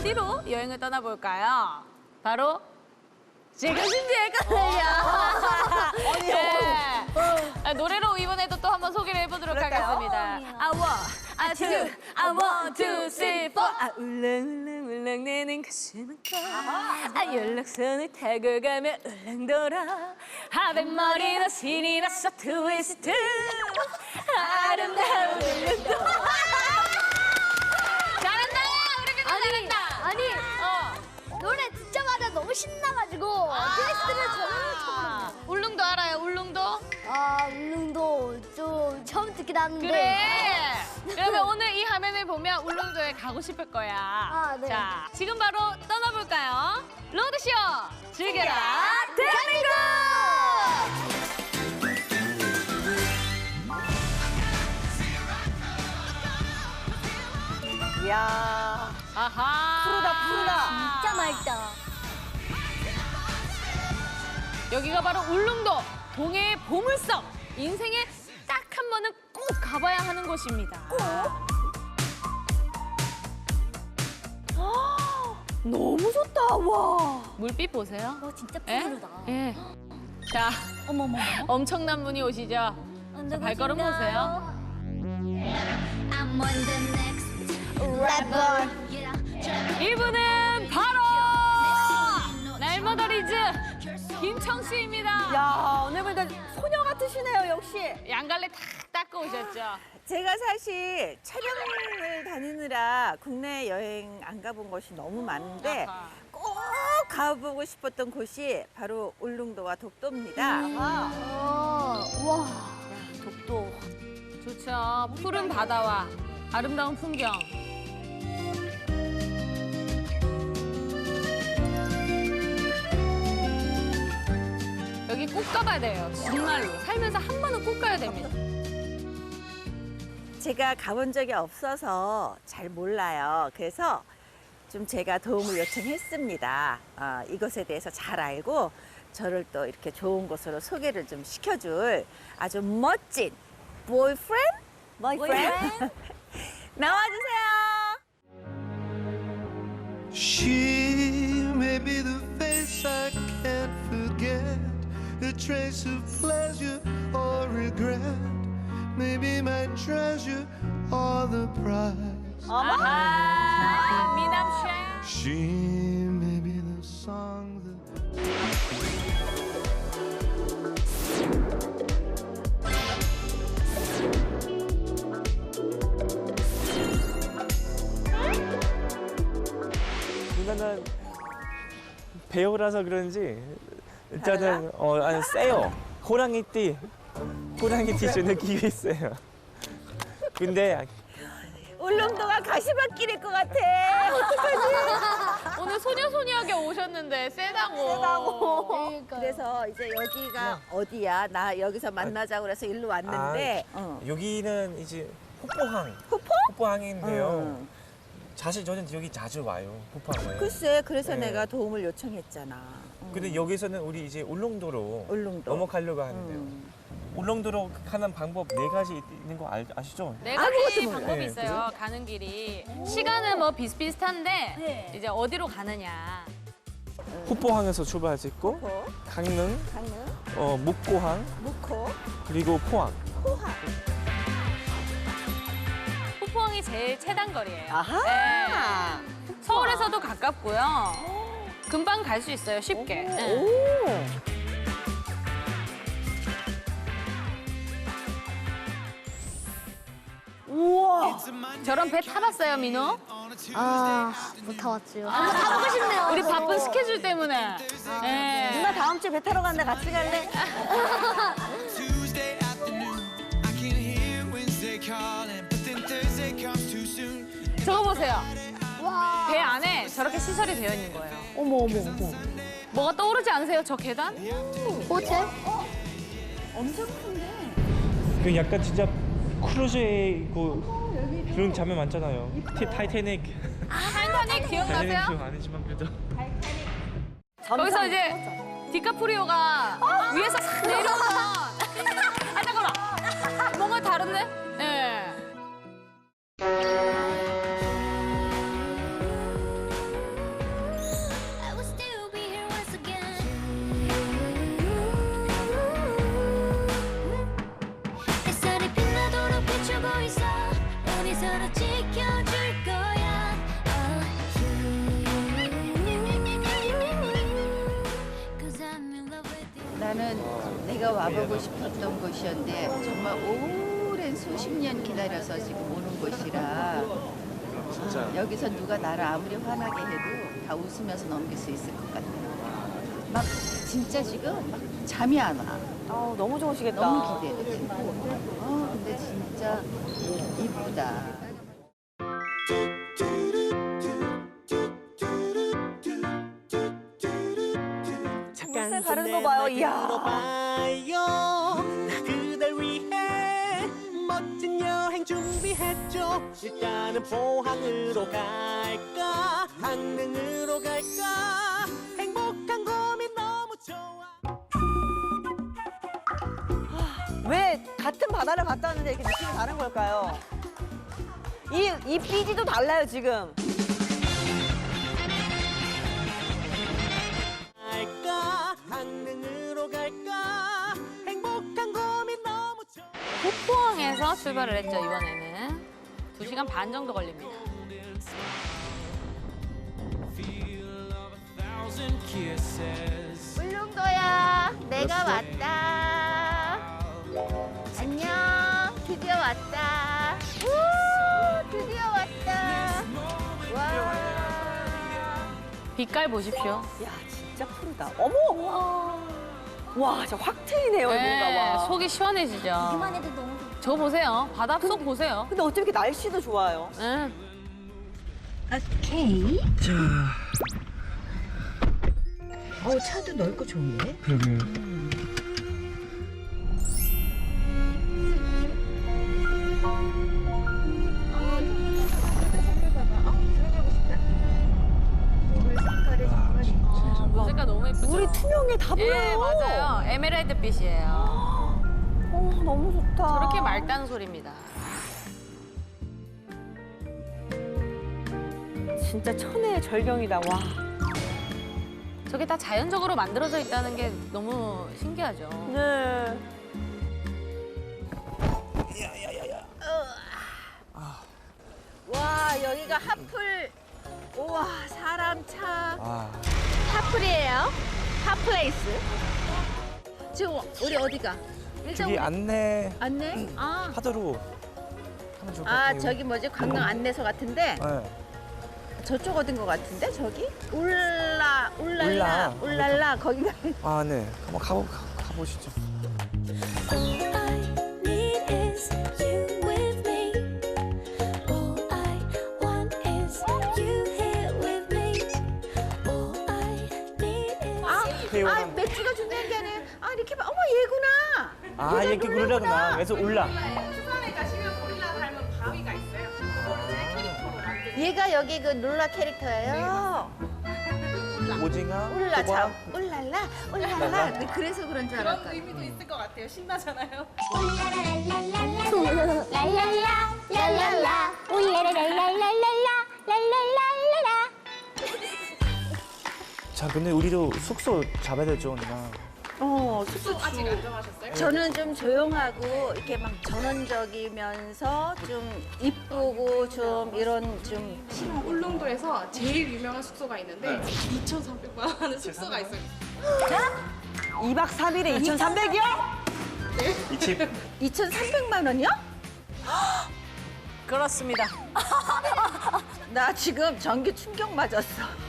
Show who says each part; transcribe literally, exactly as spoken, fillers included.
Speaker 1: 어디로 여행을 떠나볼까요? 바로 지금 준비했거든요. 네. 아, 노래로 이번에도 또 한번 소개를 해보도록 하겠습니다. 아, 원, 아, 투, 아, 원, 투, 쓰리, 포. 아, 울렁울렁울렁 내는 가슴은 꺼. 아, 연락선을 타고 가면 울렁 돌아. 하백머리도 신이 났어, 트위스트. 아름다운 울렁도. 잘한다! 우리 민호 잘한다!
Speaker 2: 아니,
Speaker 1: 어.
Speaker 2: 노래 듣자마자 너무 신나가지고 트위스트를 저는 처음 듣는
Speaker 1: 울릉도 알아요, 울릉도?
Speaker 2: 아, 울릉도 좀 처음 듣긴 하는데.
Speaker 1: 그래. 그러면 오늘 이 화면을 보면 울릉도에 가고 싶을 거야.
Speaker 2: 아, 네.
Speaker 1: 자, 지금 바로 떠나볼까요? 로드쇼 즐겨라 대한민국!
Speaker 3: 이야,
Speaker 1: 아하.
Speaker 3: 푸르다, 푸르다.
Speaker 2: 진짜 맑다.
Speaker 1: 여기가 바로 울릉도 동해의 보물섬. 인생에 딱 한 번은 꼭 가봐야 하는 곳입니다. 꼭?
Speaker 3: 너무 좋다, 와.
Speaker 1: 물빛 보세요.
Speaker 2: 와, 진짜
Speaker 1: 예?
Speaker 2: 푸르다.
Speaker 1: 예. 자,
Speaker 2: 어머머.
Speaker 1: 엄청난 분이 오시죠. 자, 발걸음 보세요.
Speaker 2: I'm on the next rapper.
Speaker 1: 이분은 바로 날머더리즈 김청씨입니다.
Speaker 3: 야, 오늘 보니까 소녀 같으시네요, 역시.
Speaker 1: 양갈래 탁 닦고 오셨죠?
Speaker 3: 제가 사실 촬영을 다니느라 국내 여행 안 가본 곳이 너무 많은데
Speaker 1: 아하.
Speaker 3: 꼭 가보고 싶었던 곳이 바로 울릉도와 독도입니다.
Speaker 2: 어, 와.
Speaker 3: 독도.
Speaker 1: 좋죠. 푸른 바다와 아름다운 풍경. 여기 꼭 가봐야 돼요. 정말로. 살면서 한 번은 꼭 가야 됩니다.
Speaker 3: 제가 가본 적이 없어서 잘 몰라요. 그래서 좀 제가 도움을 요청했습니다. 어, 이것에 대해서 잘 알고 저를 또 이렇게 좋은 곳으로 소개를 좀 시켜줄 아주 멋진 boyfriend? boyfriend? 나와주세요.
Speaker 4: She may be the face I can't forget, a trace of pleasure or regret, maybe my treasure or the prize.
Speaker 1: 아하, 미남쉐.
Speaker 4: She may be the song that
Speaker 5: 누나는 배우라서 그런지 일단은 어 아니 세요. 호랑이띠 호랑이띠 좀 느끼고 있어요. 근데
Speaker 3: 울릉도가 가시밭길일 것 같아.
Speaker 1: 오늘 소녀소녀하게 오셨는데 세다고.
Speaker 3: 세다고.
Speaker 2: 그러니까요.
Speaker 3: 그래서 이제 여기가 어디야? 나 여기서 만나자고 그래서 일로 왔는데.
Speaker 5: 아,
Speaker 3: 어.
Speaker 5: 여기는 이제 폭포항. 호포? 호포항인데요.
Speaker 3: 응.
Speaker 5: 사실 저는 여기 자주 와요. 호포항에.
Speaker 3: 글쎄, 그래서
Speaker 5: 네.
Speaker 3: 내가 도움을 요청했잖아. 응.
Speaker 5: 근데 여기서는 우리 이제 울릉도로
Speaker 3: 울릉도.
Speaker 5: 넘어가려고 하는데요.
Speaker 3: 음.
Speaker 5: 울릉도로 가는 방법 네 가지 있는 거 알, 아시죠?
Speaker 1: 네
Speaker 3: 아무것도
Speaker 1: 가지
Speaker 3: 몰라요.
Speaker 1: 방법이
Speaker 5: 네,
Speaker 1: 있어요. 가는 길이. 시간은 뭐 비슷비슷한데
Speaker 2: 네.
Speaker 1: 이제 어디로 가느냐.
Speaker 5: 호포항에서 출발할 수 있고
Speaker 3: 코,
Speaker 5: 강릉,
Speaker 3: 강릉,
Speaker 5: 어, 묵고항,
Speaker 3: 무코,
Speaker 5: 그리고 포항.
Speaker 3: 포항.
Speaker 1: 호포항이 제일 최단 거리예요.
Speaker 3: 아하.
Speaker 1: 네. 서울에서도 가깝고요. 금방 갈 수 있어요, 쉽게. 네.
Speaker 3: 오. 우와.
Speaker 1: 저런 배 타봤어요, 민호?
Speaker 2: 아, 못 타봤지요. 한번 타보고 싶네요.
Speaker 1: 우리 바쁜 스케줄 때문에. 네.
Speaker 3: 누나 다음 주에 배 타러 간다. 같이 갈래?
Speaker 6: Tuesday afternoon, I can hear Wednesday calling, but then Thursday comes too soon.
Speaker 1: 저거 보세요.
Speaker 2: 와.
Speaker 1: 배 안에 저렇게 시설이 되어 있는 거예요.
Speaker 2: 어머, 어머, 어머.
Speaker 1: 뭐가 떠오르지 않으세요, 저 계단?
Speaker 2: 호텔?
Speaker 3: 엄청 큰데.
Speaker 5: 그 약간 진짜 크루즈의 그 그런 장면 많잖아요. 티, 타이타닉.
Speaker 1: 타이타닉 기억나세요?
Speaker 5: 타이타닉 기억 아니지만 그래도.
Speaker 1: 거기서 이제 디카프리오가 위에서 싹 내려오면 아 잠깐만 뭔가 다른데? 네.
Speaker 3: 나는 내가 와보고 싶었던 곳이었는데 정말 오랜 수십 년 기다려서 지금 오는 곳이라 아, 여기서 누가 나를 아무리 화나게 해도 다 웃으면서 넘길 수 있을 것 같아요. 막 진짜 지금 막 잠이 안 와.
Speaker 7: 아, 너무 좋으시겠다.
Speaker 3: 너무 기대돼. 어, 근데 진짜 이쁘다.
Speaker 7: 물살 가르는 거 봐요. 이야.
Speaker 8: 봐요. 나 그댈 위해 멋진 여행 준비했죠. 일단은 포항으로 갈까 강릉으로 갈까 행복한 고민 너무 좋아.
Speaker 7: 왜 같은 바다를 갔다 왔는데 이렇게 느낌이 다른 걸까요? 이, 이 삐지도 달라요, 지금.
Speaker 8: 갈까 강릉으로 갈까 행복한 고민 너무 좋아.
Speaker 1: 포항에서 출발을 했죠, 이번에는. 두 시간 반 정도 걸립니다.
Speaker 6: Thousand kisses.
Speaker 2: 울릉도야, 내가 왔다. 안녕, 드디어 왔다. 우, 드디어 왔다. 와.
Speaker 1: 빛깔 보십시오.
Speaker 7: 야, 진짜 푸르다. 어머! 와, 진짜 확 트이네요, 뭔가. 와.
Speaker 1: 속이 시원해지죠.
Speaker 2: 이만 해도 너무 좋다.
Speaker 1: 저 보세요. 바닷속 보세요.
Speaker 7: 근데 어쩜 이렇게 날씨도 좋아요?
Speaker 1: 응.
Speaker 2: 오케이.
Speaker 3: 어, 차도 넓고 좋은데?
Speaker 5: 그러게요.
Speaker 1: 색깔 너무 예쁘죠?
Speaker 7: 물이 투명해, 다 보여요.
Speaker 1: 예, 맞아요. 에메랄드 빛이에요.
Speaker 7: 어, 너무 좋다.
Speaker 1: 저렇게 맑다는 소리입니다.
Speaker 7: 진짜 천혜의 절경이다, 와.
Speaker 1: 저게 다 자연적으로 만들어져 있다는 게 너무 신기하죠.
Speaker 7: 네.
Speaker 3: 와, 여기가 핫플. 우와, 사람 차.
Speaker 5: 아,
Speaker 3: 핫플이에요. 핫플레이스. 지금 우리 어디가? 일단
Speaker 5: 저기
Speaker 3: 우리
Speaker 5: 안내
Speaker 3: 안내? 아,
Speaker 5: 하도로 하면 좋을 것
Speaker 3: 아
Speaker 5: 같아요.
Speaker 3: 저기 뭐지? 관광 안내소 같은데
Speaker 5: 네.
Speaker 3: 저쪽 어딘 것 같은데 저기? 울라 울랄라
Speaker 5: 울라.
Speaker 3: 울랄라 거기가.
Speaker 5: 아, 네. 한번 가보, 가, 가보시죠.
Speaker 9: All I need is you with me. All I want is you here with me. All I need is
Speaker 3: 아,
Speaker 5: 태용은-
Speaker 3: 아 맥주가 중요한 게 아니라 아 이렇게 봐. 어머 얘구나.
Speaker 5: 아, 이렇게 그러려구나. 그래서 올라.
Speaker 3: 얘가 여기 그 룰라 캐릭터예요.
Speaker 5: 오징어,
Speaker 3: 울라
Speaker 5: 호박.
Speaker 3: 참 울랄라 울랄라. 네, 그래서 그런 줄 알았다.
Speaker 2: 랄랄라, 랄랄라, 울라라랄랄랄랄라, 랄랄랄랄라.
Speaker 5: 자, 근데 우리도 숙소 잡아야 되죠, 누나.
Speaker 3: 어, 숙소 아직 안 정하셨어요? 저는 좀 조용하고 이렇게 막 전원적이면서 좀 이쁘고 좀 이런 좀
Speaker 10: 울릉도에서 제일 유명한 숙소가 있는데 이천삼백만 원 하는 숙소가 있어요.
Speaker 7: 이박 삼일에 이천삼백이요?
Speaker 5: 이 집.
Speaker 3: 이천삼백만 원이요?
Speaker 1: 그렇습니다.
Speaker 3: 나 지금 전기 충격 맞았어.